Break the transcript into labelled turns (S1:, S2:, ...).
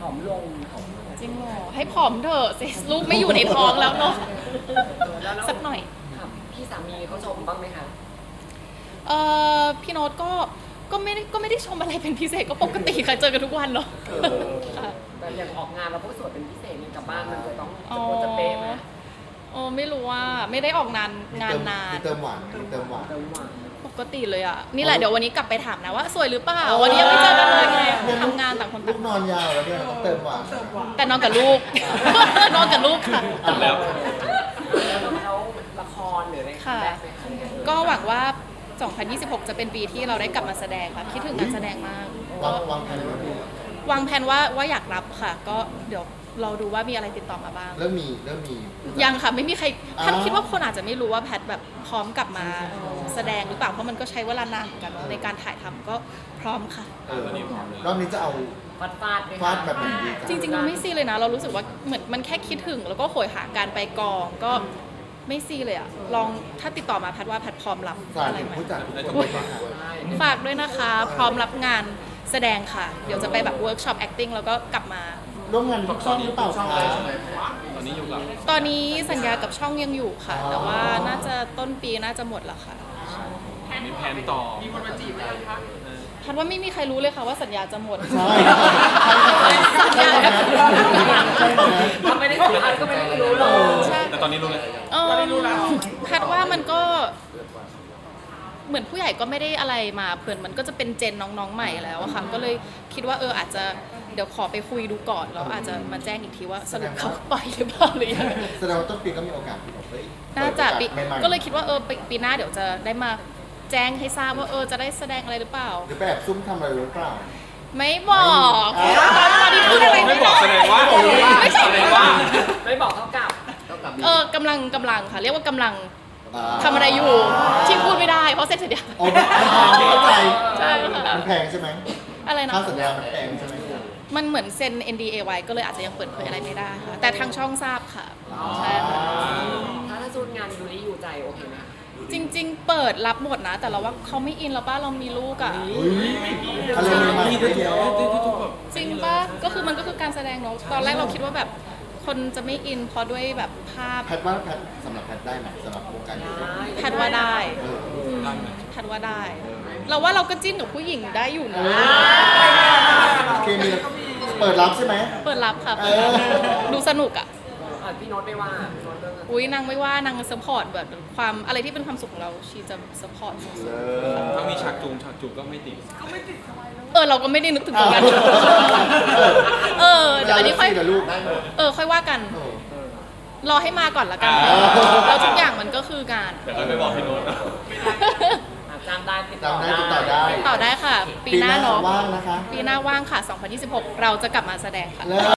S1: อมลง
S2: จริงเหรอให้ผอมเถอะสิลูกไม่อยู่ในท้องแล้วเนาะสักหน่อย
S1: พี่สามีเขาชมบ้างไหมคะ
S2: พี่โน้ตก็ไม่ได้ชมอะไรเป็นพิเศษก็ปกติค่ะเจอกันทุกวันเนาะ
S1: แต่อย่างออกงานเราพวกสวยเป็นพิเศษนี่กลับบ้านมันจะต้องจะเป๊ะไหม
S2: ไม่รู้ว่าไม่ได้ออกงานนาน
S3: มีเติมหวานเติมหวาน
S2: ปกติเลยอ่ะนี่แหละเดี๋ยววันนี้กลับไปถามนะว่าสวยหรือเปล่าวันนี้ยังไม่เจอกันเลยไงทำงานต่างคนต่าง
S3: ลูกนอนยาวแล้วเนี่ยเติมหวาน
S2: แต่นอนกับลูกนอนกับลูกค่ะ
S1: แล้วละครหรืออะไร
S2: ค่ะก็หวังว่า2026จะเป็นปีที่เราได้กลับมาแสดงค่ะคิดถึงการแสดงมาก
S3: วางแผน
S2: ว่าอยากรับค่ะก็เดี๋ยวเราดูว่ามีอะไรติดต่อมาบ้าง
S3: เริ่มมี
S2: ยังค่ะไม่มีใครท่านคิดว่าคนอาจจะไม่รู้ว่าแพทแบบพร้อมกลับมาแสดงหรือเปล่าเพราะมันก็ใช้เวลานานเหมือนกันในการถ่ายทำก็พร้อมค่ะ
S3: รอบนี้จะเอาฟาดแบบไหนดี
S2: จริงๆเราไม่ซีเลยนะเรารู้สึกว่าเหมือนมันแค่คิดถึงแล้วก็โหยหาการไปกองก็ไม่ซีเลยอะลองถ้าติดต่อมาแพทว่าแพทพร้อมรับอะไรไหมฝากด้วยนะคะพร้อมรับงานแสดงค่ะเดี๋ยวจะไปแบบเวิร์กช็อป acting แล้วก็กลับมา
S3: ร่วมงานกับช่องหรือเปล่าคะ
S2: ตอนนี้สัญญากับช่องยังอยู่ค่ะแต่ว่าน่าจะต้นปีน่าจะหมดแล้วค่ะ
S4: มีแผนต่อมีคนมาจีบไหมคะ
S2: พันว่าไม่มีใครรู้เลยค่ะว่าสัญญาจะหมด
S3: ใช่
S2: สัญญา
S1: ถ้าไม่ได้สัมภาษณ์ก็ไม่ได้รู้หรอก
S4: แต่ตอนนี้รู้เลย
S2: พัดว่ามันก็เหมือนผู้ใหญ่ก็ไม่ได้อะไรมาเพื่อนมันก็จะเป็นเจนน้องๆใหม่แล้วอะค่ะก็เลยคิดว่าอาจจะเดี๋ยวขอไปคุยดูก่อนแล้วอาจจะมาแจ้งอีกทีว่าสรุปเขาปล่อยหรือเปล่าหรือยัง
S3: แสดงว่าต้นปีก็มีโอกาสที่แบบ
S2: น่าจะก็เลยคิดว่าปีหน้าเดี๋ยวจะได้มาแจ้งให้ทราบว่าจะได้แสดงอะไรหรือเปล่า
S3: หรือแบบซุ่มทำอะไรหรือเปล่า
S2: ไม่บอกตอนนี้พูดอะไร
S4: ไม่บอกแสดงว่า
S2: ไม่ใช่
S1: ไม่บอกเท่ากับ
S2: กำลังค่ะเรียกว่ากำลังทำอะไรอยู่ที่พูดไม่ได้เพราะเซ็นสัญญา
S3: เข้าใจ
S2: ใช่ค่ะ
S3: มันแพงใช่ไหม
S2: อะไรนะ
S3: ค่าสัญญามันแพงใช่ไหม
S2: มันเหมือนเซ็น NDA ไว้ก็เลยอาจจะยังเปิดเผยอะไรไม่ได้ค่ะแต่ทางช่องทราบค่ะใช่ค่ะ
S1: ถ้าสูตรงานยูริอยู่ใจโอเคไหม
S2: จริงๆเปิดรับหมดนะแต่เราว่าเขาไม่อินแล้วป้าเรามีลูกอ่ะ
S3: อะไรใหม่
S2: จริงป่ะก็คือมันก็คือการแสดงเนาะตอนแรกเราคิดว่าแบบคนจะไม่อินเพราะด้วยแบบภาพ
S3: แพทว่าแพทสำหรับแพทได้ไหมสำหรับวงการยูริ
S2: แพทว่าได้แพทว่าได้เราว่าเราก็จิ้นกับผู้หญิงได้อยู่นะ
S3: เคมีเปิดรับใช่ไหม
S2: เปิดรับค่ะดูสนุกอ่ะ
S1: พี่โน้ตไม่ว่า
S2: อุ้ยนางไม่ว่านางซัพพอร์ตแบบความอะไรที่เป็นความสุขของเราชีจะซัพพอร์ต
S4: ถ้ามีฉากจูงก็ไม่ติด
S2: เราก็ไม่ได้นึกถึงตรงนั้นเดี๋ยวอันนี้ค่อยค่อยว่ากันรอให้มาก่อนละกันแล้วทุกอย่างมันก็คืองาน
S4: แต่ไม่บอกพี่โน้ตนะ
S1: จำได้ติดต่
S2: อได้ค่ะปีหน้าเนาะ
S3: ว่างนะคะ
S2: ปีหน้าว่างค่ะ2026เราจะกลับมาแสดงค่ะ